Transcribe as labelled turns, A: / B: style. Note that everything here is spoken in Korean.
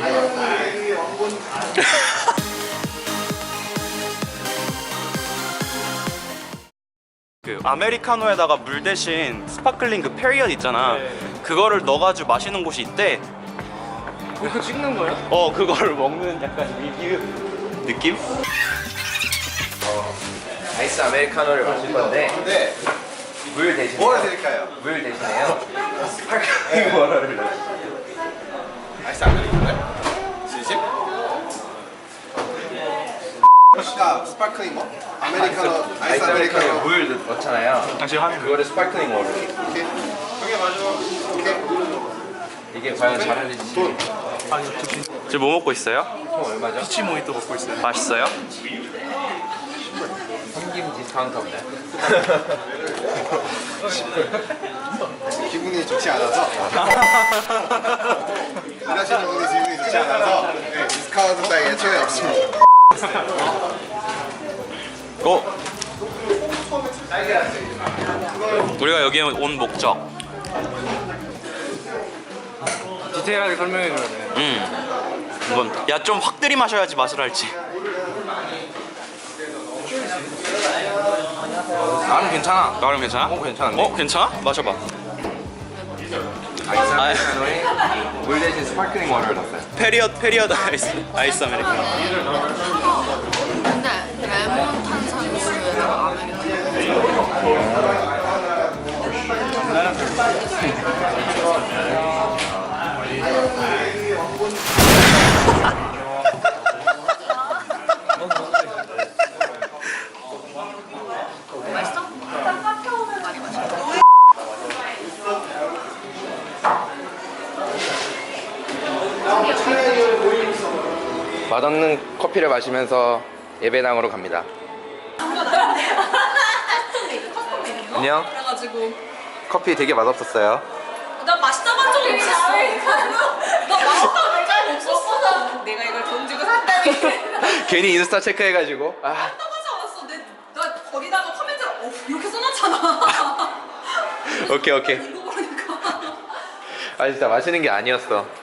A: 그 아메리카노에다가 물 대신 스파클링 그 페리엇 있잖아. 그거를 넣어가지고 마시는 곳이 있대.
B: 그거 찍는 거야?
A: 그거를 먹는 약간 리뷰 느낌?
B: 아이스 아메리카노를 마실 건데 물 대신에
C: 뭐를 드릴까요?
B: 물 대신에요 스파클링 워터를 넣어주세요.
C: 아이스 아메리카노요? 진심? 스파클링 뭐? 아메리카노, 아이스 아메리카노.
B: 물 넣잖아요.
A: 당신 화면
B: 그거를 스파클링 워터.
C: 오케이. 형이 맞아. 오케이.
B: 이게 과연 잘하는지.
A: 지금 뭐 먹고 있어요?
B: 총 얼마죠?
C: 피치 모히또 먹고 있어요.
A: 맛있어요?
B: 현금 디스카운트 없나요?
C: 기분이 좋지 않아서. 일하시는 분이 기분이 좋지 않아서 디스카운트 따위 애초에 없습니다.
A: 우리가 여기에 온 목적.
B: 디테일하게 설명해 줘야 돼.
A: 이건 야 좀 확 들이마셔야지 맛을 알지.
B: 나는 괜찮아.
A: 나름 괜찮아?
B: 괜찮은데?
A: 괜찮아? 마셔봐.
B: 아이스 아메리카노에 물 대신 스파클링 워터를 넣었어요.
A: 페리엇 아이스 아메리카노.
D: 근데 레몬 탄산수에다가 아메리카노. 맛있어? 많이 맛있어.
B: 맛없는 커피를 마시면서 예배당으로 갑니다. 안녕.
D: 그래가지고
B: 커피 되게 맛없었어요.
D: 나 맛있다고 한 적이 없었어. 나 맛있다고 한 적이 없었어. 내가 이걸 돈 주고 샀다니.
B: 괜히 인스타 체크해가지고.
D: 맛있다고 하지 않았어. 나 거기다가 코멘트를 이렇게 써놨잖아.
B: 오케이.
D: 이거 모르니까.
B: 아 진짜 마시는 게 아니었어.